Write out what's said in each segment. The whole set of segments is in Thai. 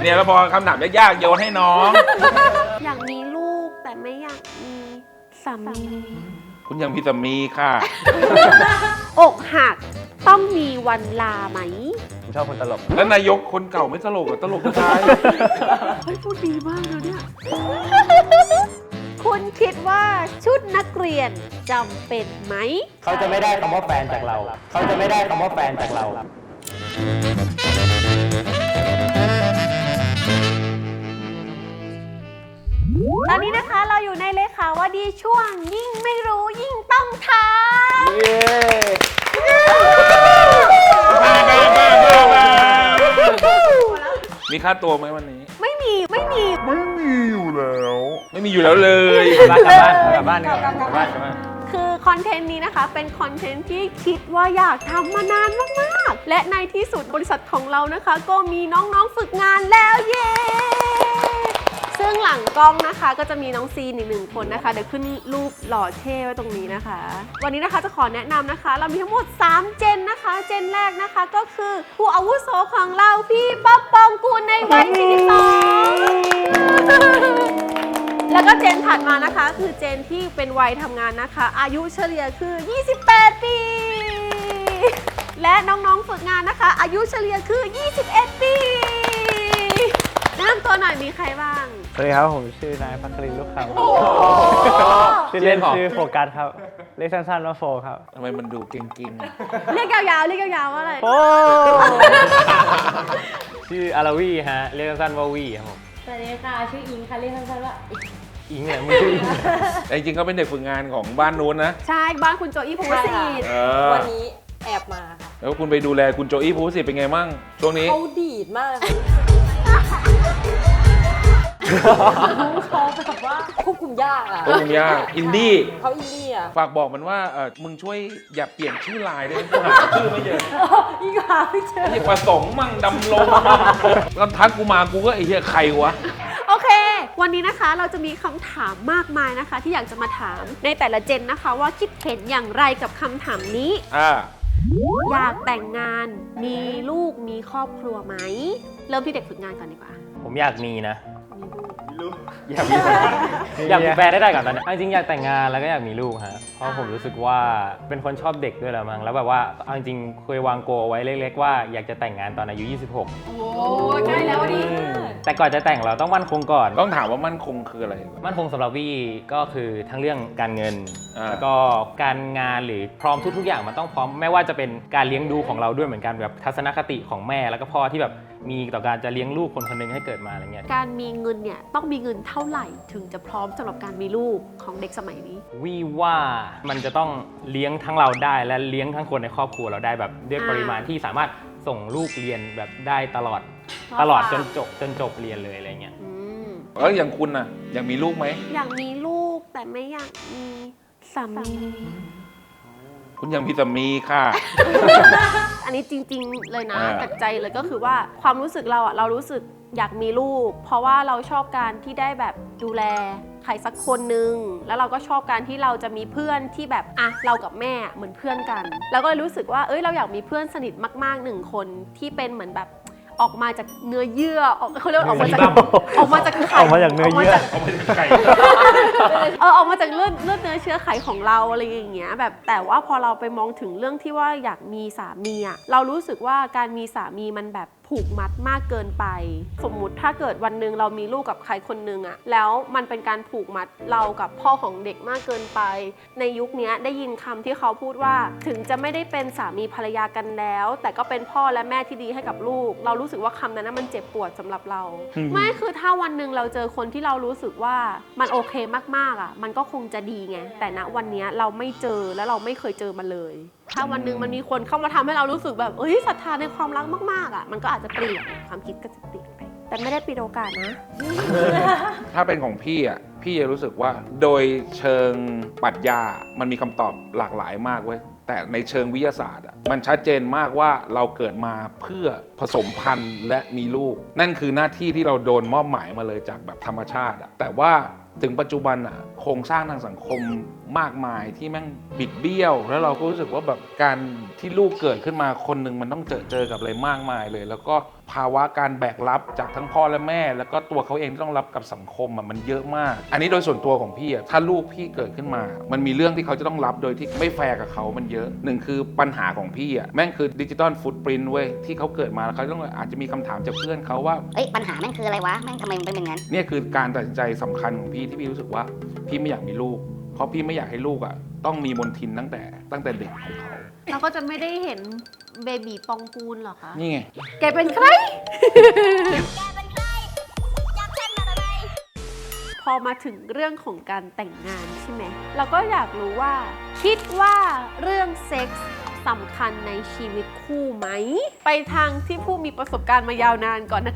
เนี่ยแล้วพอคำถามยากๆโยนให้น้องอยากมีลูกแต่ไม่อยากมีสามีคุณยังมีสามีค่ะอกหักต้องมีวันลาไหมผมชอบคนตลกแล้วนายกคนเก่าไม่ตลกอะตลกจะตายเฮ้ยพูดดีมากเลยเนี่ย คุณคิดว่าชุดนักเรียนจำเป็นไหมเขาจะไม่ได้คำว่าแฟนจากเรา เขาจะไม่ได้คำว่าแฟนจากเราตอนนี้นะคะเราอยู่ในเลขาว่าดีช่วงยิ่งไม่รู้ยิ่งต้องถามมีค่าตัวไหมวันนี้ไม่มีไม่มีอยู่แล้วเลยกลับบ้านดีกว่าคือคอนเทนต์นี้นะคะเป็นคอนเทนต์ที่คิดว่าอยากทำมานานมากๆ และในที่สุดบริษัทของเรานะคะ ก็มีน้องๆฝึกงานแล้วเย้ซึ่งหลังกล้องนะคะก็จะมีน้องซีนอีกหนึ่งคนนะคะเดี๋ยวขึ้นรูปหล่อเท่ไว้ตรงนี้นะคะ วันนี้นะคะจะขอแนะนำนะคะ เรามีทั้งหมด3เจนนะคะ เจนแรกนะคะก็คือผู้อาวุโสของเราพี่ป๊อปปองกูลในวัย42แล้วก็เจนถัดมานะคะคือเจนที่เป็นวัยทำงานนะคะ อายุเฉลี่ยคือ28 ปี และน้องๆฝึกงานนะคะ อายุเฉลี่ยคือ21 ปีแนะนำตัวหน่อยมีใครบ้างสวัสดีครับ ผมชื่อนายพัครินทร์ลูกคำชื่อเล่นชื่อโฟกัสครับ เรียกสั้นๆว่าโฟครับทำไมมันดูเก่งๆอะเรียกยาวๆเรียกยาวๆว่าอะไรโอ้ ชื่ออาราวีฮะ เรียกสั้นๆว่าวีครับผมสวัสดีค่ะ ชื่ออิงค่ะ เรียกสั้นๆว่าอิงเนี่ยมึงชื่ออิงแต่จริงๆเขาเป็นเด็กฝึกงานของบ้านนู้นนะใช่บ้านคุณโจอี้ภูวศิษฐ์เออวันนี้แอบมาค่ะแล้วคุณไปดูแลคุณโจอี้ภูสิทธิ์เป็นไงมั่งช่วงนี้เขาดีดมากเลยค่ะเขาแบบว่าควบคุมยากอ่ะโอ้ยากอินดี้เขาอินดี้อ่ะฝากบอกมันว่ามึงช่วยอย่าเปลี่ยนชื่อไลน์ได้ไหมกูหาชื่อไม่เจออีกหาไม่เจอไอ้ประสงค์มั่งดำรงมั่งแล้วทักกูมากูก็ไอ้เหี้ยใครวะโอเค วันนี้นะคะเราจะมีคำถามมากมายนะคะ ที่อยากจะมาถามในแต่ละเจนนะคะ ว่าคิดเห็นอย่างไรกับคำถามนี้ อยากแต่งงานมีลูกมีครอบครัวไหมเริ่มที่เด็กฝึกงานก่อนดีกว่าผมอยากมีนะ อยากมีแฟนได้ก่อนตอนนี้จริงๆอยากแต่งงานแล้วก็อยากมีลูกฮะ เพราะผมรู้สึกว่าเป็นคนชอบเด็กด้วยแหละมั้ง แล้วแบบว่าเอาจริงๆเคยวางโกลไว้เล็กๆว่าอยากจะแต่งงานตอนอายุ 26 โอ้ใกล้แล้วดิแต่ก่อนจะแต่งเราต้องมั่นคงก่อนต้องถามว่ามั่นคงคืออะไรมั่นคงสำหรับวี่ก็คือทั้งเรื่องการเงิน แล้วก็การงานหรือพร้อมทุกๆอย่างมันต้องพร้อมไม่ว่าจะเป็นการเลี้ยงดูของเราด้วยเหมือนกันแบบทัศนคติของแม่แล้วก็พ่อที่แบบมีต่อการจะเลี้ยงลูกคนคนหนึงให้เกิดมาอะไรเงี้ยการมีเงินเนี่ยต้องมีเงินเท่าไหร่ถึงจะพร้อมสำหรับการมีลูกของเด็กสมัยนี้วี่ว่ามันจะต้องเลี้ยงทั้งเราได้และเลี้ยงทั้งคนในครอบครัวเราได้แบบด้วยปริมาณที่สามารถส่งลูกเรียนแบบได้ตลอดจนจบเรียนเลยอะไรเงี้ยอืมแล้วอย่างคุณน่ะอยากมีลูกไหมอยากมีลูกแต่ไม่อยากมีสามีคุณยังมีสามีค่ะอันนี้จริงๆเลยนะอ่าจากใจเลยก็คือว่าความรู้สึกเราอะเรารู้สึกอยากมีลูก เพราะว่าเราชอบการที่ได้แบบดูแลใครสักคนนึงแล้วเราก็ชอบการที่เราจะมีเพื่อนที่แบบอ่ะเรากับแม่เหมือนเพื่อนกันแล้วก็เลยรู้สึกว่าเราอยากมีเพื่อนสนิทมากๆ1คนที่เป็นเหมือนแบบออกมาจากเนื้อเยื่อเขาเรียกว่าออกมาจากไข่ออกมาจากเนื้อเยื่อเอาไปไก่ออกมาจากเลือดเนื้อเชื้อไขของเราอะไรอย่างเงี้ยแบบแต่ว่าพอเราไปมองถึงเรื่องที่ว่าอยากมีสามีอะเรารู้สึกว่าการมีสามีมันแบบผูกมัดมากเกินไป สมมุติถ้าเกิดวันหนึ่งเรามีลูกกับใครคนนึงอะแล้วมันเป็นการผูกมัดเรากับพ่อของเด็กมากเกินไป ในยุคนี้ได้ยินคำที่เขาพูดว่าถึงจะไม่ได้เป็นสามีภรรยากันแล้ว แต่ก็เป็นพ่อและแม่ที่ดีให้กับลูก เรารู้สึกว่าคำนั้นมันเจ็บปวดสำหรับเรา ไม่คือถ้าวันหนึ่งเราเจอคนที่เรารู้สึกว่ามันโอเคมากๆอ่ะมันก็คงจะดีไงแต่ณวันนี้เราไม่เจอและเราไม่เคยเจอมาเลย ถ้าวันหนึ่งมันมีคนเข้ามาทำให้เรารู้สึกแบบศรัทธาในความรักมากๆอ่ะมันก็อาจจะเปลี่ยนความคิดก็จะเปลี่ยนไปแต่ไม่ได้ปิดโอกาสนะถ้าเป็นของพี่อ่ะพี่จะรู้สึกว่าโดยเชิงปรัชญามันมีคำตอบหลากหลายมากเว้ยแต่ในเชิงวิทยาศาสตร์อ่ะมันชัดเจนมากว่าเราเกิดมาเพื่อผสมพันธุ์และมีลูก นั่นคือหน้าที่ที่เราโดนมอบหมายมาเลยจากแบบธรรมชาติอ่ะแต่ว่าถึงปัจจุบันอ่ะโครงสร้างทางสังคมมากมายที่แม่งบิดเบี้ยว แล้วเราก็รู้สึกว่าแบบการที่ลูกเกิดขึ้นมาคนหนึ่งมันต้องเจอกับอะไรมากมายเลย แล้วก็ภาวะการแบกรับจากทั้งพ่อและแม่ แล้วก็ตัวเขาเองที่ต้องรับกับสังคมมันเยอะมาก อันนี้โดยส่วนตัวของพี่ถ้าลูกพี่เกิดขึ้นมา มันมีเรื่องที่เขาจะต้องรับโดยที่ไม่แฟร์กับเขามันเยอะหนึ่งคือปัญหาของพี่แม่งคือดิจิตอลฟุตปรินท์เว้ยที่เขาเกิดมาแล้วเขาต้องอาจจะมีคำถามจากเพื่อนเขาว่าเอ้ยปัญหาแม่งคืออะไรวะแม่งทำไมมันเป็นอย่างนั้นเนี่ยคือการตัดสินใจสำคัญของพี่ที่พี่รู้สึกว่าพี่ไม่อยากมีลูกเพราะพี่ไม่อยากให้ลูกต้องมีมลทินตั้งแต่เด็กของเขาเราก็จะไม่ได้เห็นเบบีปองกูลหรอคะนี่ไงแกเป็นใคร พอมาถึงเรื่องของการแต่งงานใช่ไหม เราก็อยากรู้ว่า คิดว่าเรื่องเซ็กส์สำคัญในชีวิตคู่ไหม ไปทางที่ผู้มีประสบการณ์มายาวนานก่อนนะคะ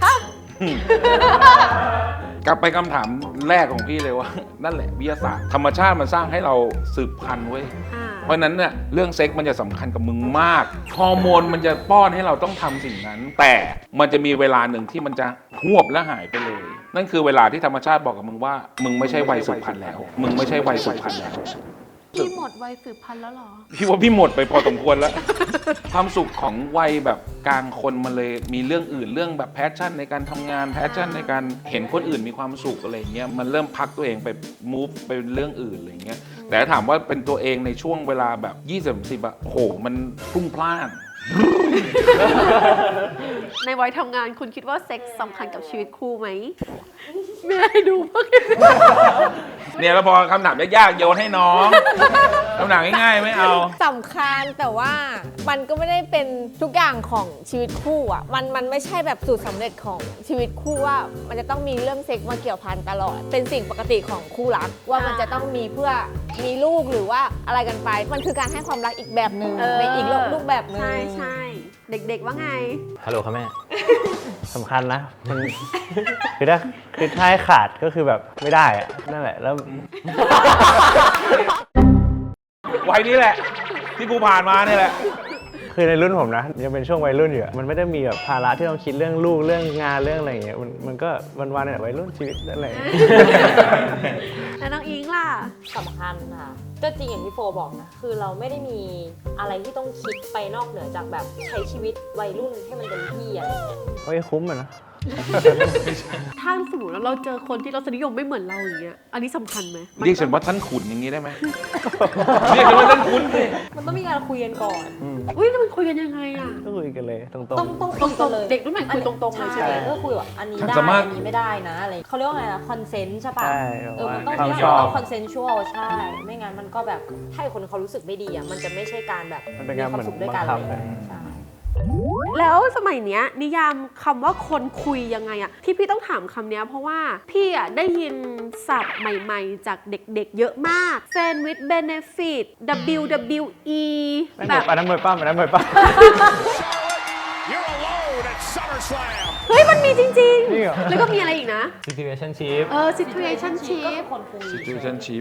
กลับไปคำถามแรกของพี่เลยว่า นั่นแหละวิทยาศาสตร์ธรรมชาติมันสร้างให้เราสืบพันธุ์เว้ย เพราะฉะนั้นเนี่ยเรื่องเซ็กส์มันจะสำคัญกับมึงมากฮอร์โมนมันจะป้อนให้เราต้องทำสิ่งนั้น แต่มันจะมีเวลาหนึ่งที่มันจะหวบและหายไปเลย นั่นคือเวลาที่ธรรมชาติบอกกับมึงว่ามึงไม่ใช่วัยสืบพันธุ์แล้ว มึงไม่ใช่วัยสืบพันธุ์แล้วพี่หมดวัยสืบพันธุ์แล้วเหรอพี่ว่าพี่หมดไปพอสมควรแล้ว ความสุขของวัยแบบกลางคนมันเลยมีเรื่องอื่นเรื่องแบบแพชชั่นในการทำงานแพชชั่นในการเห็นคนอื่นมีความสุขอะไรเงี้ยมันเริ่มพักตัวเองไป move ไปเรื่องอื่นอะไรเงี้ยแต่ถามว่าเป็นตัวเองในช่วงเวลาแบบ20-10โอ้โหมันพรุ่งพล่านในวัยทำงานคุณคิดว่าเซ็กส์สำคัญกับชีวิตคู่ไหมไม่ได้ดูพวกเนี่ยแล้วพอคำถามยากๆโยนให้น้องคำถามง่ายๆไม่เอาสำคัญแต่ว่ามันก็ไม่ได้เป็นทุกอย่างของชีวิตคู่อ่ะมันไม่ใช่แบบสูตรสำเร็จของชีวิตคู่ว่ามันจะต้องมีเรื่องเซ็กส์มาเกี่ยวพันตลอด เป็นสิ่งปกติของคู่รักว่ามันจะต้องมีเพื่อมีลูกหรือว่าอะไรกันไป มันคือการให้ความรักอีกแบบหนึ่งในอีกรูปแบบหนึ่งใช่เด็กๆว่าไงฮัลโหลครับแม่สำคัญนะมันคือถ้าให้ขาดก็คือแบบไม่ได้อะนั่นแหละแล้ววัยนี้แหละ ที่กูผ่านมาเนี่ยแหละคือในรุ่นผมนะยังเป็นช่วงวัยรุ่นอยู่อะมันไม่ได้มีแบบภาระที่ต้องคิดเรื่องลูกเรื่องงานเรื่องอะไรอย่างเงี้ยมันก็วันๆเนี่ยวัยรุ่นชีวิตนั่นแหละแล้วน้องอิงล่ะสำคัญค่ะก็จริงอย่างที่โฟบอกนะคือเราไม่ได้มีอะไรที่ต้องคิดไปนอกเหนือจากแบบใช้ชีวิตวัยรุ่นให้มันเต็มที่อะไรอย่างเงี้ยเฮ้ยคุ้มอะนะถ้าสมมติว่าเราเจอคนที่รสนิยมไม่เหมือนเราอย่างเงี้ย อันนี้สำคัญไหมเรียกฉันว่าท่านขุนอย่างนี้ได้ไหม เรียกฉันว่าท่านขุนสิมันต้องมีการคุยกันก่อนอุ้ยแล้วมันคุยกันยังไงอะก็คุยกันเลยตรงต้องตคุยรกันงเลยๆเด็กรุ่นใหม่คุยตรงๆเลยใช่ไหมก็คุยว่าอันนี้ได้สามารถอันนี้ไม่ได้นะอะไรเขาเรียกว่าไงนะคอนเซนต์ใช่ๆปะใช่มันต้องความมีชอบคอนเซนชวลใช่ ไม่งั้นมันก็แบบถ้าคนเขารู้สึกไม่ดีอ่ะมันจะไม่ใช่การแบบมันเป็นการควาเหมืมอนสุขด้วยกันบังคับอะไรอย่างเงี้ยใช่แล้วสมัยเนี้ยนิยามคำว่าคนคุยยังไงอะที่พี่ต้องถามคำเนี้ยเพราะว่าพี่อะได้ยินศัพท์ใหม่ๆ จากเด็กๆ เยอะมาก Friend with Benefit WWE นั่นแบแบบ บอันนั้นมวยปั้มอันนั้นมวยปั้ม You're alone at SummerSlam. เฮ้ย มันมีจริงจริงเหรอๆ แล้วก็มีอะไรอีกนะ situationship situationship ก็คือคนคุย situationship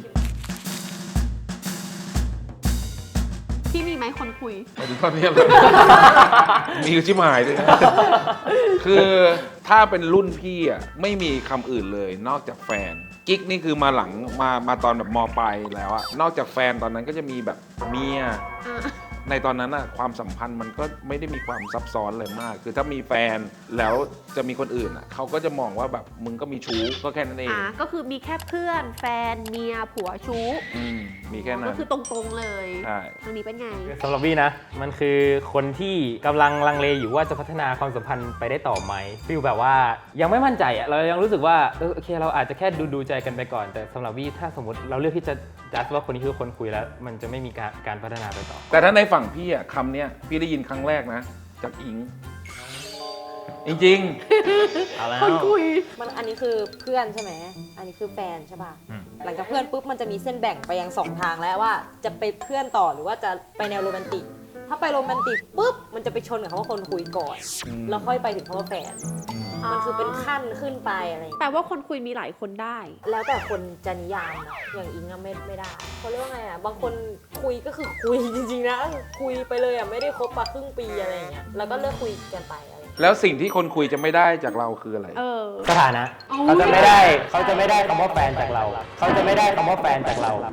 พี่มีไหมคนคุยไปถึงตอนนี้เลย มีชิบหายด้วยนะ คือถ้าเป็นรุ่นพี่ไม่มีคำอื่นเลยนอกจากแฟน กิ๊กนี่คือมาหลังมาตอนแบบมปลายแล้วอะนอกจากแฟนตอนนั้นก็จะมีแบบเมีย ในตอนนั้นอะความสัมพันธ์มันก็ไม่ได้มีความซับซ้อนเลยมาก คือถ้ามีแฟนแล้วจะมีคนอื่นอะเขาก็จะมองว่าแบบมึงก็มีชู้ก็แค่นั้นเองก็คือมีแค่เพื่อนแฟนเมียผัวชู้มีแค่นั้ก็นคือตรงๆเลยใช่ทางนี้เป็นไงสำหรับวี่นะ มันคือคนที่กำลังลังเลอยู่ว่าจะพัฒนาความสัมพันธ์ไปได้ต่อไหมฟีลแบบว่ายังไม่มั่นใจอะเรายังรู้สึกว่าโอเคเราอาจจะแค่ดูใจกันไปก่อน แต่สำหรับวี่ถ้าสมมติเราเลือกที่จะจัดว่าคนนี้คือคนคุยแล้ว มันจะไม่มีการพัฒนาไปต่อแต่ถ้าในฝั่งพี่คำเนี้ยพี่ได้ยินครั้งแรกนะจากอิง จริงเอาแล้วคนคุยมันอันนี้คือเพื่อนใช่ไหมอันนี้คือแฟนใช่ป่ะหลังจากเพื่อนปุ๊บมันจะมีเส้นแบ่งไปยังสองทางแล้วว่าจะไปเพื่อนต่อหรือว่าจะไปแนวโรแมนติก ถ้าไปโรแมนติกปุ๊บมันจะไปชนกับคำว่าคนคุยก่อน แล้วค่อยไปถึงคำว่าแฟน มันคือเป็นขั้นขึ้นไปอะไรอย่างเงี้ยแปลว่าคนคุยมีหลายคนได้แล้วแต่คนจะนิยามนะอย่างอิงอะไม่ได้เขาเรียกว่าไงอะบางคนคุยก็คือคุยจริงๆนะคุยไปเลยอะไม่ได้คบมาครึ่งปีอะไรอย่างเงี้ยแล้วก็เลิกคุยกันไปอะไรอย่างเงี้ยๆ แล้วสิ่งที่คนคุยจะไม่ได้จากเราคืออะไรสถานะเอาเขาจะไม่ได้คำว่าแฟนจากเรา เขาจะไม่ได้คำว่าแฟนจากเรา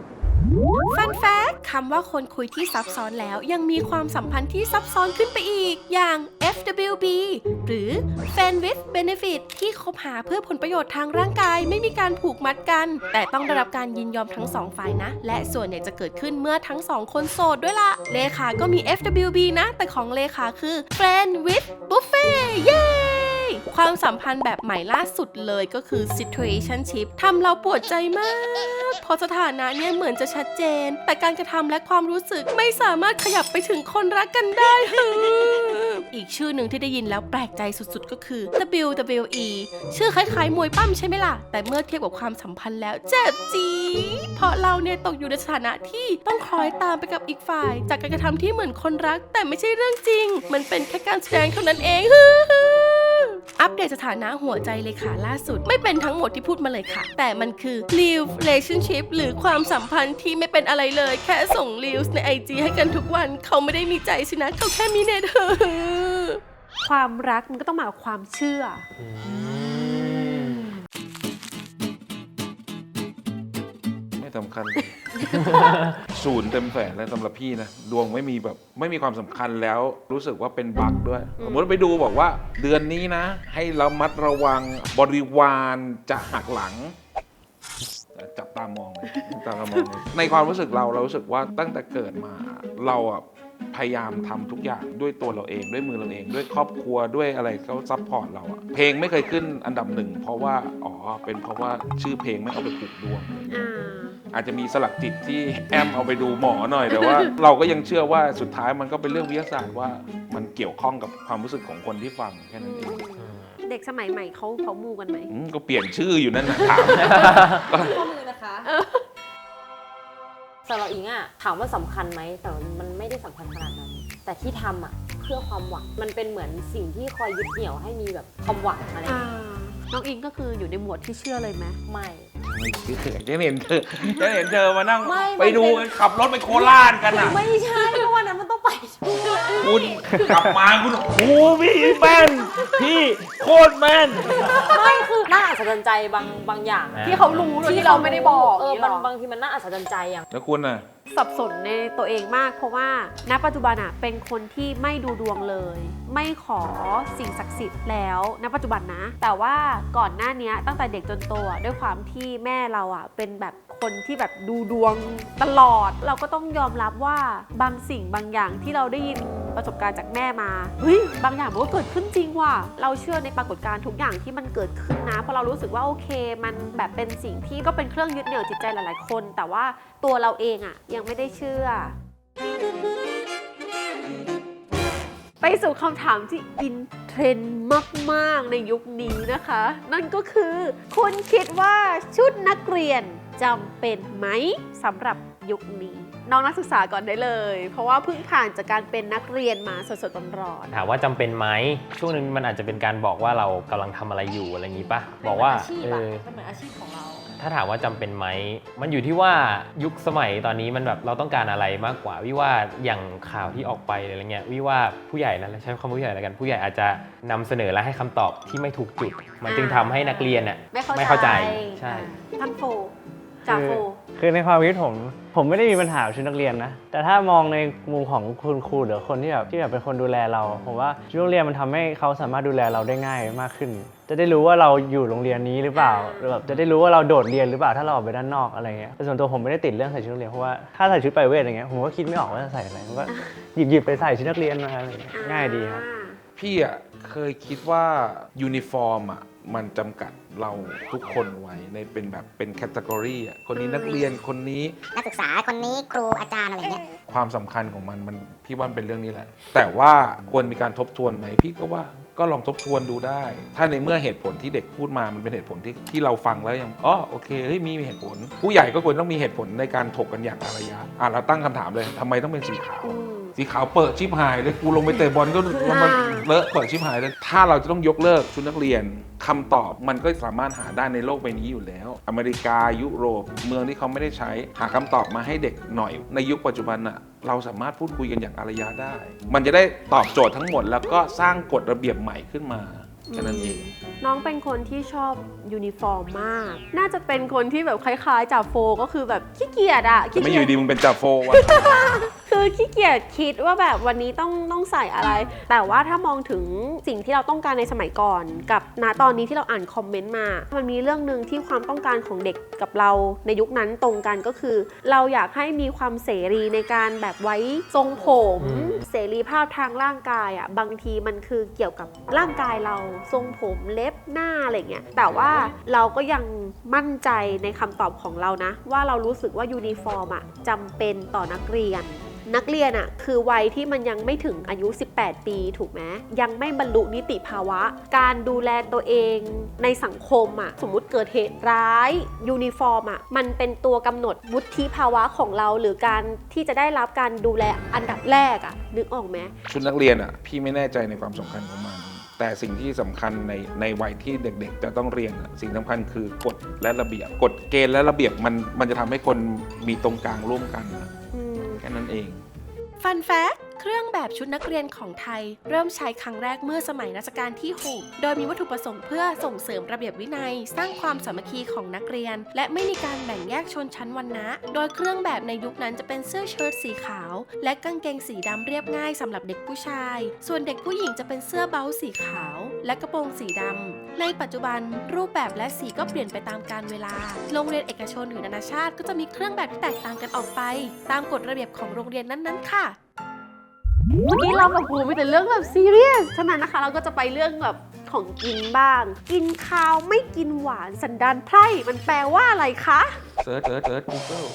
ฟันแฟกต์คำว่าคนคุยที่ซับซ้อนแล้วยังมีความสัมพันธ์ที่ซับซ้อนขึ้นไปอีก อย่าง FWB หรือ Friend with Benefit ที่คบหาเพื่อผลประโยชน์ทางร่างกายไม่มีการผูกมัดกัน แต่ต้องได้รับการยินยอมทั้งสองฝ่ายนะ และส่วนใหญ่จะเกิดขึ้นเมื่อทั้งสองคนโสดด้วยล่ะ เลขาก็มี FWB นะ แต่ของเลขาคือ Friend with Buffet เย้ ความสัมพันธ์แบบใหม่ล่าสุดเลยก็คือ Situationship ทำเราปวดใจมาก เพราะสถานะเนี่ยเหมือนจะชัดเจน แต่การกระทำและความรู้สึกไม่สามารถขยับไปถึงคนรักกันได้ อีกชื่อหนึ่งที่ได้ยินแล้วแปลกใจสุดๆก็คือ WWE ชื่อคล้ายๆมวยปั้มใช่ไหมล่ะ แต่เมื่อเทียบกับความสัมพันธ์แล้วเจ็บจี๊ดเพราะเราเนี่ยตกอยู่ในสถานะที่ต้องคล้อยตามไปกับอีกฝ่าย จากการกระทำที่เหมือนคนรักแต่ไม่ใช่เรื่องจริง มันเป็นแค่การแสดงเท่านั้นเอง อัปเดตสถานะหัวใจเลยค่ะล่าสุดไม่เป็นทั้งหมดที่พูดมาเลยค่ะ แต่มันคือ Real Relationship หรือความสัมพันธ์ที่ไม่เป็นอะไรเลย แค่ส่ง Reels ใน IG ให้กันทุกวันเขาไม่ได้มีใจสินะเขาแค่มีเน็ต ความรักมันก็ต้องมากับความเชื่อไม่สำคัญ ศูนย์เต็มแสนเลยสำหรับพี่นะดวงไม่มีความสำคัญแล้วรู้สึกว่าเป็นบั๊กด้วยสมมติไปดูบอกว่าเดือนนี้นะ ให้ระมัดระวังบริวารจะหักหลัง จับตามองเลยในความรู้สึกเรารู้สึกว่าตั้งแต่เกิดมาเราอะพยายามทำทุกอย่างด้วยตัวเราเองด้วยมือเราเองด้วยครอบครัวด้วยอะไรเขาซัพพอร์ตเราอะเพลงไม่เคยขึ้นอันดับหนึ่งเพราะว่าเป็นเพราะว่าชื่อเพลงไม่เอาไปผูกดวง อาจจะมีสลักจิตที่แอมเอาไปดูหมอหน่อยแต่ว่า เราก็ยังเชื่อว่าสุดท้ายมันก็เป็นเรื่องวิทยาศาสตร์ว่ามันเกี่ยวข้องกับความรู้สึกของคนที่ฟังแค่นั้นเองเด็กสมัยใหม่เขามูกันไหมก็เปลี่ยนชื่ออยู่นั่นนะถามข้อมือนะคะสำหรับอิงอะถามว่าสำคัญไหมแต่มันไม่ได้สำคัญขนาดนั้น แต่ที่ทำอะเพื่อความหวังมันเป็นเหมือนสิ่งที่คอยยึดเหนี่ยวให้มีแบบความหวังอะไรอย่างเงี้ยน้องอิงก็คืออยู่ในหมวดที่เชื่อเลยไหมไม่ไม่เชื่อจะเห็นเธอมานั่งไม่ไปดูขับรถไปโคราชกันอ่ะไม่ใช่เพราะวันนั้นมันต้องไปด้วยคุณกลับมาคุณโอ้พี่แม่นพี่โคตรแม่นไม่คือน่าอัศจรรย์ใจบางอย่างที่เขารู้โดยที่เราไม่ได้บอกบางทีมันน่าอัศจรรย์ใจอย่างแล้วคุณน่ะสับสนในตัวเองมากเพราะว่าณปัจจุบันอะเป็นคนที่ไม่ดูดวงเลย ไม่ขอสิ่งศักดิ์สิทธิ์แล้วณปัจจุบันนะ แต่ว่าก่อนหน้านี้ตั้งแต่เด็กจนโตอะด้วยความที่แม่เราอะเป็นแบบคนที่แบบดูดวงตลอด เราก็ต้องยอมรับว่าบางสิ่งบางอย่างที่เราได้ยินประสบการณ์จากแม่มาเฮ้ยบางอย่างมันก็เกิดขึ้นจริงว่ะเราเชื่อในปรากฏการณ์ทุกอย่างที่มันเกิดขึ้นนะเพราะเรารู้สึกว่าโอเคมันแบบเป็นสิ่งที่ก็เป็นเครื่องยึดเหนี่ยวจิตใจหลายๆคน แต่ว่าตัวเราเองอะยังไม่ได้เชื่อ ไปสู่คำถามที่อินเทรนด์มากๆในยุคนี้นะคะ นั่นก็คือคุณคิดว่าชุดนักเรียนจำเป็นไหมสำหรับยุคนี้น้องนักศึกษาก่อนได้เลย เพราะว่าเพิ่งผ่านจากการเป็นนักเรียนมาสดๆร้อนถามว่าจำเป็นไหมช่วงนึงมันอาจจะเป็นการบอกว่าเรากำลังทำอะไรอยู่อะไรอย่างนี้ปะบอกว่ามันเหมือนอาชีพของเราถ้าถามว่าจำเป็นไหมมันอยู่ที่ว่ายุคสมัยตอนนี้มันแบบเราต้องการอะไรมากกว่าวิว่าอย่างข่าวที่ออกไปอะไรเงี้ยวิว่าผู้ใหญ่แล้วใช้คำว่าผู้ใหญ่แล้วกันผู้ใหญ่อาจจะนำเสนอและให้คำตอบที่ไม่ถูกจุดมันจึงทำให้นักเรียนน่ะๆไม่เข้าใจใช่ท่านโฟจ่าโฟคือในความคิดผมไม่ได้มีปัญหากับชุดนักเรียนนะแต่ถ้ามองในมุมของคุณครูหรือคนที่แบบเป็นคนดูแลเราผมว่าชุดนักเรียนมันทำให้เขาสามารถดูแลเราได้ง่ายมากขึ้น จะได้รู้ว่าเราอยู่โรงเรียนนี้หรือเปล่าหรือแบบจะได้รู้ว่าเราโดดเรียนหรือเปล่าถ้าเราออกไปด้านนอกอะไรเงี้ยแต่ส่วนตัวผมไม่ได้ติดเรื่องใส่ชุดนักเรียนเพราะว่าถ้าใส่ชุดไปเวทอย่างเงี้ยผมก็คิดไม่ออกว่าจะใส่อะไรผมก็หยิบไปใส่ชุดนักเรียนมาอะไรเงี้ยง่ายดีครับพี่อ่ะเคยคิดว่ายูนิฟอร์มอ่ะมันจำกัดเราทุกคนไว้ในเป็นแบบเป็นแคตตากรีอ่ะคนนี้นักเรียนคนนี้นักศึกษาคนนี้ครูอาจารย์อะไรเงี้ยความสำคัญของมันพี่ว่าเป็นเรื่องนี้แหละ แต่ว่าควรมีการทบทวนไหมพี่ก็ว่าก็ลองทบทวนดูได้ ถ้าในเมื่อเหตุผลที่เด็กพูดมามันเป็นเหตุผลที่เราฟังแล้วยังโอเคเฮ้ยมีเหตุผล ผู้ใหญ่ก็ควรต้องมีเหตุผลในการถกกันอย่างอารยะเราตั้งคำถามเลยทำไมต้องเป็นสีขาวสีขาวเปิดชิบหายเลยกูลงไปเตะบอลก็มันเลอะเปิดชิบหายเลยถ้าเราจะต้องยกเลิกชุดนักเรียนคำตอบมันก็สามารถหาได้ในโลกใบนี้อยู่แล้ว อเมริกายุโรปเมืองที่เขาไม่ได้ใช้หาคำตอบมาให้เด็กหน่อยในยุคปัจจุบันน่ะเราสามารถพูดคุยกันอย่างอารยะได้ มันจะได้ตอบโจทย์ทั้งหมดแล้วก็สร้างกฎระเบียบใหม่ขึ้นมาแค่นั้นเองน้องเป็นคนที่ชอบยูนิฟอร์มมาก น่าจะเป็นคนที่แบบคล้ายๆจ่าโฟก็คือแบบขี้เกียจอะแต่ไม่อยู่ดีมึงเป็นจ่าโฟวะคือขี้เกียจคิดว่าแบบวันนี้ต้องใส่อะไร แต่ว่าถ้ามองถึงสิ่งที่เราต้องการในสมัยก่อน กับณตอนนี้ที่เราอ่านคอมเมนต์มา มันมีเรื่องหนึ่งที่ความต้องการของเด็กกับเราในยุคนั้นตรงกันก็คือ เราอยากให้มีความเสรีในการแบบไว้ทรงผม เสรีภาพทางร่างกายอ่ะบางทีมันคือเกี่ยวกับร่างกายเราทรงผมเล็บหน้าอะไรเงี้ยแต่ว่าเราก็ยังมั่นใจในคำตอบของเรานะว่าเรารู้สึกว่ายูนิฟอร์มอ่ะจำเป็นต่อนักเรียนอ่ะคือวัยที่มันยังไม่ถึงอายุ 18 ปีถูกไหมยังไม่บรรลุนิติภาวะ การดูแลตัวเองในสังคมอ่ะสมมุติเกิดเหตุร้ายยูนิฟอร์มอ่ะมันเป็นตัวกำหนดวุฒิภาวะของเราหรือการที่จะได้รับการดูแลอันดับแรกอ่ะนึกออกไหมชุดนักเรียนอ่ะพี่ไม่แน่ใจในความสำคัญของมัน แต่สิ่งที่สำคัญในวัยที่เด็กๆจะต้องเรียนอะสิ่งสำคัญคือกฎและระเบียบกฎเกณฑ์และระเบียบมันจะทำให้คนมีตรงกลางร่วมกันนะแค่นั้นเองฟันแฟกเครื่องแบบชุดนักเรียนของไทย เริ่มใช้ครั้งแรกเมื่อสมัยรัชกาลที่ 6 โดยมีวัตถุประสงค์เพื่อส่งเสริมระเบียบวินัย สร้างความสามัคคีของนักเรียน และไม่มีการแบ่งแยกชนชั้นวรรณะ โดยเครื่องแบบในยุคนั้นจะเป็นเสื้อเชิ้ตสีขาว และกางเกงสีดำเรียบง่ายสำหรับเด็กผู้ชาย ส่วนเด็กผู้หญิงจะเป็นเสื้อเชิ้ตสีขาว และกระโปรงสีดำในปัจจุบันรูปแบบและสีก็เปลี่ยนไปตามกาลเวลาโรงเรียนเอกชนหรือนานาชาติก็จะมีเครื่องแบบที่แตกต่างกันออกไป ตามกฎระเบียบของโรงเรียนนั้นๆค่ะเมื่อกี้เราแบบพูดมีแต่เรื่องแบบซีเรียสฉะนั้นนะคะเราก็จะไปเรื่องแบบของกินบ้าง กินข้าวไม่กินหวานสันดานไพร่มันแปลว่าอะไรคะเซิร์ช Google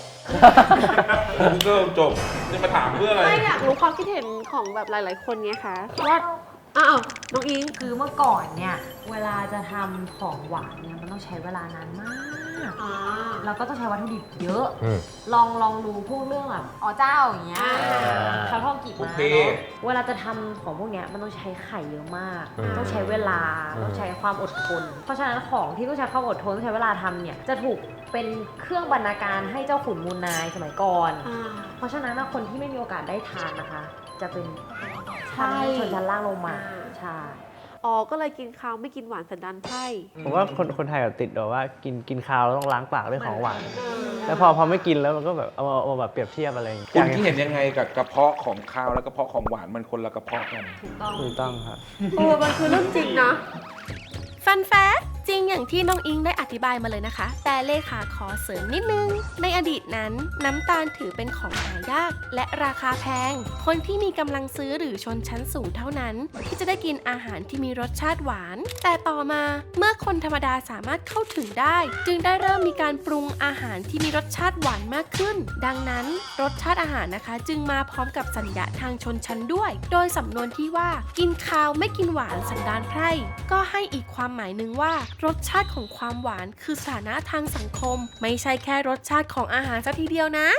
Google จบจะมาถามเพื่ออะไรไม่อยากรู้ความคิดเห็นของแบบหลายๆคนไงคะว่าอ้าวน้องอิงคือเมื่อก่อนเนี่ยเวลาจะทำของหวานเนี่ยมันต้องใช้เวลานานมากแล้วก็ต้องใช้วัตถุดิบเยอะ ลองดูพวกเรื่องแบบอ๋อเจ้าอย่างเงี้ยข้าวทอดกีบม้าเนาะเวลาจะทำของพวกเนี้ยมันต้องใช้ไข่เยอะมาก ต้องใช้เวลาต้องใช้ความอดทน เพราะฉะนั้นของที่ต้องใช้ความอดทนต้องใช้เวลาทำเนี่ยจะถูกเป็นเครื่องบรรณาการให้เจ้าขุนมูลนายสมัยก่อน เพราะฉะนั้นคนที่ไม่มีโอกาสได้ทานนะคะ จะเป็นชนชั้นล่างลงมาใช่อ๋อก็เลยกินข้าวไม่กินหวานสันดานไพร่ผมว่าคนไทยแบบติดแบบว่ากินข้าวแล้วต้องล้างปากด้วยของหวาน แล้วพอไม่กินแล้วมันก็แบบเอาแบบเปรียบเทียบอะไรอย่างเงี้ยคุณที่เห็นยังไงกับกระเพาะของข้าวและกระเพาะของหวานมันคนละกระเพาะกันถูกต้องครับมันคือเรื่องจริงนะฟันแฟกจริงอย่างที่น้องอิงได้อธิบายมาเลยนะคะ แต่เลขาขอเสริมนิดนึง ในอดีตนั้นน้ำตาลถือเป็นของหายากและราคาแพง คนที่มีกำลังซื้อหรือชนชั้นสูงเท่านั้น ที่จะได้กินอาหารที่มีรสชาติหวาน แต่ต่อมาเมื่อคนธรรมดาสามารถเข้าถึงได้ จึงได้เริ่มมีการปรุงอาหารที่มีรสชาติหวานมากขึ้น ดังนั้นรสชาติอาหารนะคะ จึงมาพร้อมกับสัญญาทางชนชั้นด้วย โดยสำนวนที่ว่ากินข้าวไม่กินหวานสันดานไพร่ก็ให้อีกความหมายหนึ่งว่ารสชาติของความหวานคือสถานะทางสังคม ไม่ใช่แค่รสชาติของอาหารซะทีเดียวนะ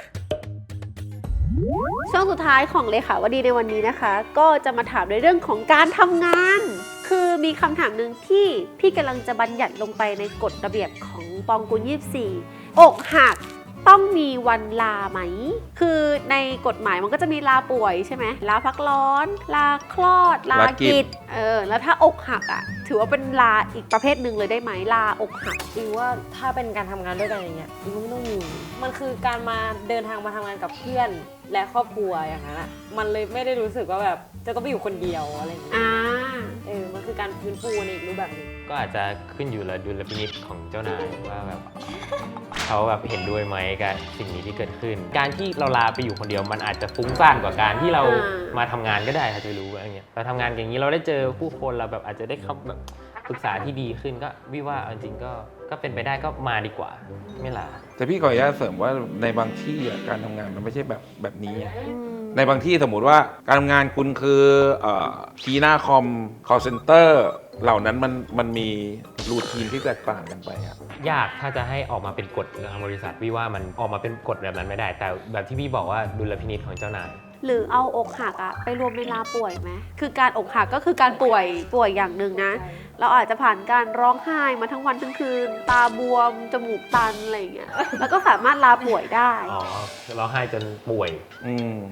ช่วงสุดท้ายของเลขาวดีในวันนี้นะคะ ก็จะมาถามในเรื่องของการทำงาน คือมีคำถามหนึ่งที่พี่กำลังจะบัญญัติลงไปในกฎระเบียบของปองกุล24 อกหักต้องมีวันลาไหม คือในกฎหมายมันก็จะมีลาป่วยใช่ไหมลาพักร้อน ลาคลอด ลากิจแล้วถ้าอกหักอ่ะถือว่าเป็นลาอีกประเภทหนึ่งเลยได้ไหมลาอกหักอีว่าถ้าเป็นการทำงานด้วยกันอย่างเงี้ยอีว่าไม่ต้องมีมันคือการมาเดินทางมาทำงานกับเพื่อนและครอบครัวอย่างนั้นอะมันเลยไม่ได้รู้สึกว่าแบบจะต้องไปอยู่คนเดียวอะไรอย่างเงี้ยมันคือการฟื้นฟูในอีกรูปแบบหนึงก็อาจจะขึ้นอยู่กับดุลพินิจของเจ้านายว่าแบบเขาแบบเห็นด้วยไหมกับสิ่งนี้ที่เกิดขึ้น การที่เราลาไปอยู่คนเดียวมันอาจจะฟุ้งซ่านกว่าการที่เรามาทำงานก็ได้ค่ะจะรู้อะไรเงี้ยเราทำงานอย่างนี้เราได้เจอผู้คนเราแบบอาจจะได้คำแบบปรึกษาที่ดีขึ้นก็วิว่าจริงก็เป็นไปได้ก็มาดีกว่าไม่ลาแต่พี่ขออนุญาตเสริมว่าในบางที่การทำงานมันไม่ใช่แบบนี้ ในบางที่สมมุติว่าการทำงานคุณคือคีย์หน้าคอม call center เหล่านั้นมันมีรูทีนที่แตกต่างกันไปอะยากถ้าจะให้ออกมาเป็นกฎทางบริษัทวิว่ามันออกมาเป็นกฎแบบนั้นไม่ได้ แต่แบบที่พี่บอกว่าดุลพินิจของเจ้านายหรือเอาอกหักอะไปรวมในลาป่วยไหมคือการอกหักก็คือการป่วยอย่างหนึ่งนะ เราอาจจะผ่านการร้องไห้มาทั้งวันทั้งคืน ตาบวม จมูกตันอะไรอย่างเงี้ย แล้วก็สามารถลาป่วยได้อ๋อร้องไห้จนป่วย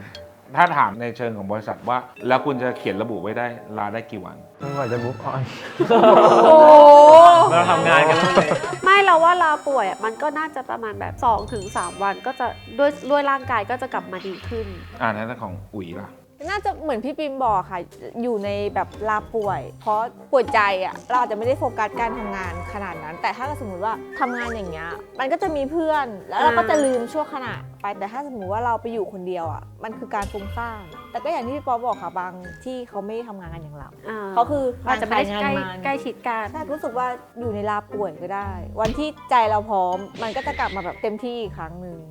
ถ้าถามในเชิงของบริษัทว่า แล้วคุณจะเขียนระบุไว้ได้ลาได้กี่วันจนกว่าจะมุกออนโอ้เราทำงานกันเลยไม่เราว่าลาป่วยอะมันก็น่าจะประมาณแบบ2-3 วันก็จะด้วยร่างกายก็จะกลับมาดีขึ้นนั่นของอุ๋ยล่ะน่าจะเหมือนพี่ปิมบอกค่ะ อยู่ในแบบลาป่วย เพราะป่วยใจอ่ะเราอาจจะไม่ได้โฟกัสการทำงานขนาดนั้น แต่ถ้าสมมติว่าทำงานอย่างเงี้ยมันก็จะมีเพื่อนแล้วเราก็จะลืมชั่วขณะไปแต่ถ้าสมมติว่าเราไปอยู่คนเดียวอ่ะมันคือการฟุ้งซ่านแต่ก็อย่างที่พี่ป๊อปบอกค่ะบางที่เขาไม่ทำงานกันอย่างเราเขาคืออาจจะไม่ได้งานใกล้ชิดกันใช่รู้สึกว่าอยู่ในลาป่วยก็ได้ วันที่ใจเราพร้อมมันก็จะกลับมาแบบเต็มที่อีกครั้งหนึ่ง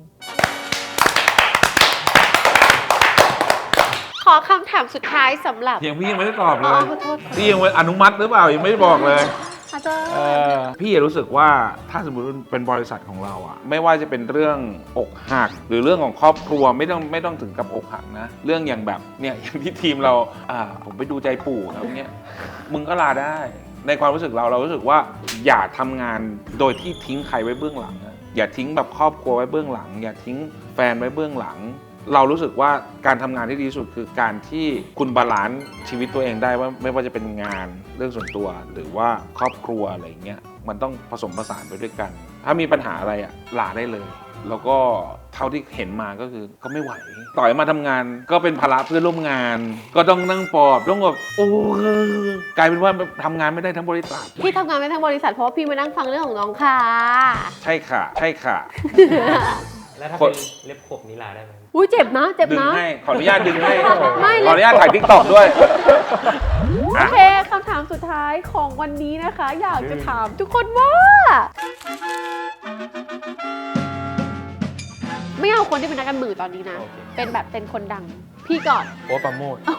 ขอคำถามสุดท้ายสำหรับยังพี่ยังไม่ได้ตอบเลอ๋อย ขอโทษพี่ยังไม่อนุมัติหรือเปล่ายังไม่ได้บอกเลยอาจารย์พี่รู้สึกว่าถ้าสมมติเป็นบริษัทของเราอะไม่ว่าจะเป็นเรื่องอกหัก หรือเรื่องของครอบครัวไม่ต้องถึงกับอกหักนะ เรื่องอย่างแบบเนี่ยอย่างที่ทีมเราผมไปดูใจปู่แล้วเนี่ยมึงก็ลาได้ ในความรู้สึกเรารู้สึกว่าอย่าทำงานโดยที่ทิ้งใครไว้เบื้องหลังนะอย่าทิ้งแบบครอบครัวไว้เบื้องหลัง อย่าทิ้งแฟนไว้เบื้องหลัง เรารู้สึกว่าการทำงานที่ดีที่สุดคือการที่คุณบาลานซ์ชีวิตตัวเองได้ว่าไม่ว่าจะเป็นงานเรื่องส่วนตัวหรือว่าครอบครัวอะไรเงี้ยมันต้องผสมผสานไปด้วยกัน ถ้ามีปัญหาอะไรลาได้เลย แล้วก็เท่าที่เห็นมาก็คือก็ไม่ไหวต่อยมาทำงานก็เป็นภาระเพื่อนร่วมงาน ก็ต้องนั่งปลอบต้องแบบโอ้กลายเป็นว่าทำงานไม่ได้ทั้งบริษัทพี่ทำงานไม่ทั้งบริษัทเพราะว่าพี่มานั่งฟังเรื่องของน้องค่ะใช่ค่ะใช่ค่ะแล้วถ้าเป็นเล็บขบนี้ลาได้ไหมอุ้ยเจ็บนะเจ็บดึงนะให้ขออนุญาตดึงให้ไม่ขออนุญาตถ่ายทิกตอกด้วยโอเคคำถามสุดท้ายของวันนี้นะคะ อยากจะถามทุกคนว่า ไม่เอาคนที่เป็นนักการเมืองตอนนี้นะ เป็นแบบเป็นคนดัง พี่ก่อนโอ้ปราโมท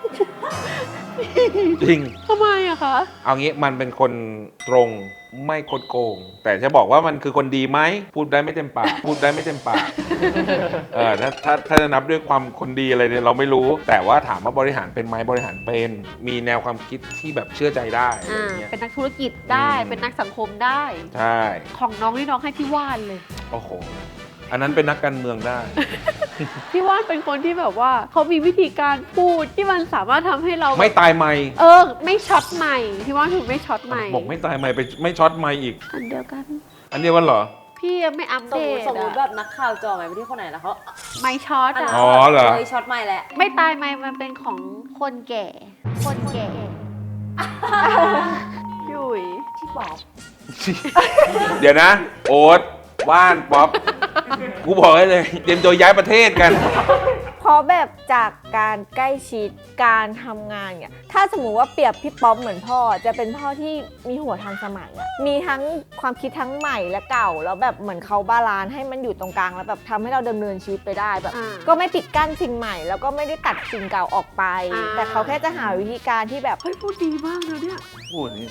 จริงทำไมอะคะเอางี้มันเป็นคนตรงไม่คดโกง แต่จะบอกว่ามันคือคนดีไหมพูดได้ไม่เต็มปากพูดได้ไม่เต็มปากถ้าจะนับด้วยความคนดีอะไรเนี่ยเราไม่รู้ แต่ว่าถามว่าบริหารเป็นไหมบริหารเป็นมีแนวความคิดที่แบบเชื่อใจได้อะไรเงี้ยเป็นนักธุรกิจได้เป็นนักสังคมได้ใช่ของน้องนี่น้องให้พี่ว่านเลยโอ้โหอันนั้นเป็นนักการเมืองได้พี่ว่านเป็นคนที่แบบว่าเขามีวิธีการพูดที่มันสามารถทำให้เราไม่ตายไม่ไม่ช็อตใหม่พี่ว่านถูกไม่ช็อตใหม่บอกไม่ตายไม่ไปไม่ช็อตไม่อีกอันเดียวกันอันเดียวกันเหรอพี่ยังไม่อัปสเดมมตติสมมติแบบนักข่าวจ่อไหมไปที่คนไหนแล้วเขาไม่ช็อตอ๋อเหรอช็อตไม่แหละไม่ตายไหมมันเป็นของคนแก่ คนแก่พี่อุ๋ยที่บอกเดี๋ยวนะ โอ๊ตว่านป๊อปกูบอกให้เลยเตรียมตัวย้ายประเทศกันเพราะแบบจากการใกล้ชิดการทำงานเนี่ยถ้าสมมุติว่าเปรียบพี่ป๊อปเหมือนพ่อจะเป็นพ่อที่มีหัวทันสมัยอะมีทั้งความคิดทั้งใหม่และเก่าแล้วแบบเหมือนเขาบาลานซ์ให้มันอยู่ตรงกลางแล้วแบบทำให้เราดำเนินชีวิตไปได้แบบก็ไม่ปิดกั้นสิ่งใหม่ แล้วก็ไม่ได้ตัดสิ่งเก่าออกไป แต่เขาแค่จะหาวิธีการที่แบบเฮ้ยพูดดีมากเลยเนี่ยพูดนี่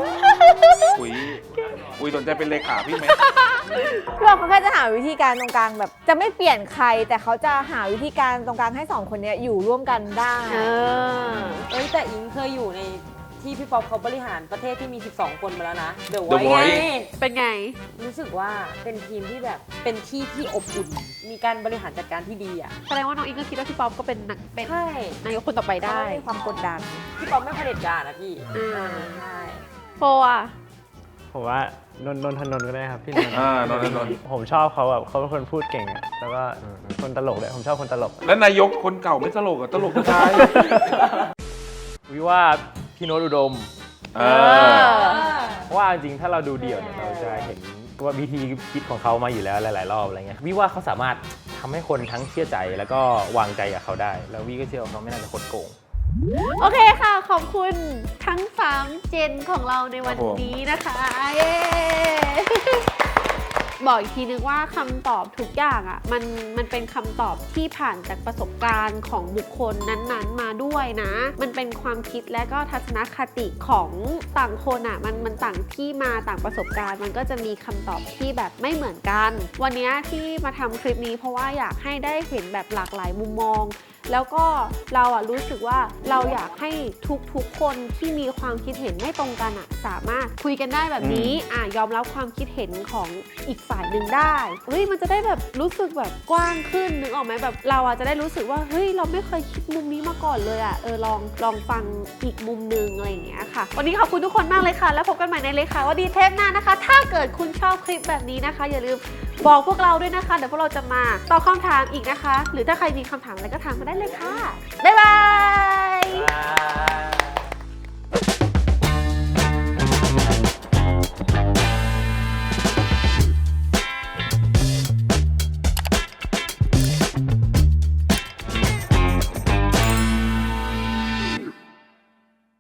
อุยสนใจเป็นเลขาพี่ไหมเขาแค่จะหาวิธีการตรงกลางแบบ จะไม่เปลี่ยนใคร แต่เขาจะหาวิธีการตรงกลางให้สองคนเนี้ยอยู่ร่วมกันได้แต่อิงเคยอยู่ในที่พี่ป๊อปเขาบริหารประเทศที่มี 12 คนมาแล้วนะเดี๋ยว The ไว้ไง Voice เป็นไงรู้สึกว่าเป็นทีมที่แบบเป็นที่ที่อบอุ่น มีการบริหารจัดการที่ดีอ่ะแสดงว่าน้องอิงก็คิดว่าพี่ป๊อปก็เป็นเป็นใช่นายกคนต่อไปได้ได้มีความกดดันพี่ป๊อปไม่เผด็จการนะพี่ ใช่โฟอ่ะผมว่านนทนนท์ก็ได้ครับพี่นนท์นนท์ผมชอบเขาแบบเขาเป็นคนพูดเก่งอะแล้วก็คนตลกเลยผมชอบคนตลกแล้วนายกคนเก่าไม่ตลกอะตลกกระจายวิว่าพี่โน้ตอุดมเออเพราะว่าจริงๆถ้าเราดูเดี่ยวเนี่ยเราจะเห็นว่าวิธีคิดของเขามาอยู่แล้วหลายๆรอบอะไรเงี้ยวิว่าเขาสามารถทำให้คนทั้งเชื่อใจแล้วก็วางใจกับเขาได้ แล้ววิก็เชื่อว่าเขาไม่น่าจะคดโกงโอเคค่ะ ขอบคุณทั้ง 3 เจนของเราในวันนี้นะคะเย้ บอกอีกทีนึงว่าคำตอบทุกอย่างอ่ะมันเป็นคำตอบที่ผ่านจากประสบการณ์ของบุคคลนั้นๆมาด้วยนะ มันเป็นความคิดและก็ทัศนคติของต่างคนอ่ะมันต่างที่มาต่างประสบการณ์ มันก็จะมีคำตอบที่แบบไม่เหมือนกัน วันนี้ที่มาทำคลิปนี้เพราะว่าอยากให้ได้เห็นแบบหลากหลายมุมมองแล้วก็เราอ่ะรู้สึกว่าเราอยากให้ทุกคนที่มีความคิดเห็นไม่ตรงกันอ่ะสามารถคุยกันได้แบบนี้ยอมรับความคิดเห็นของอีกฝ่ายหนึ่งได้เฮ้ยมันจะได้แบบรู้สึกแบบกว้างขึ้นนึกออกไหมแบบเราอ่ะจะได้รู้สึกว่าเฮ้ยเราไม่เคยคิดมุมนี้มาก่อนเลยอ่ะลองฟังอีกมุมนึงอะไรอย่างเงี้ยค่ะวันนี้ขอบคุณทุกคนมากเลยค่ะแล้วพบกันใหม่ในเลขาว่าดีเทปหน้านะคะถ้าเกิดคุณชอบคลิปแบบนี้นะคะอย่าลืมบอกพวกเราด้วยนะคะเดี๋ยวพวกเราจะมาตอบคำถามอีกนะคะหรือถ้าใครมีคำถามอะไรก็ถามมาได้เลยค่ะบ๊ายบาย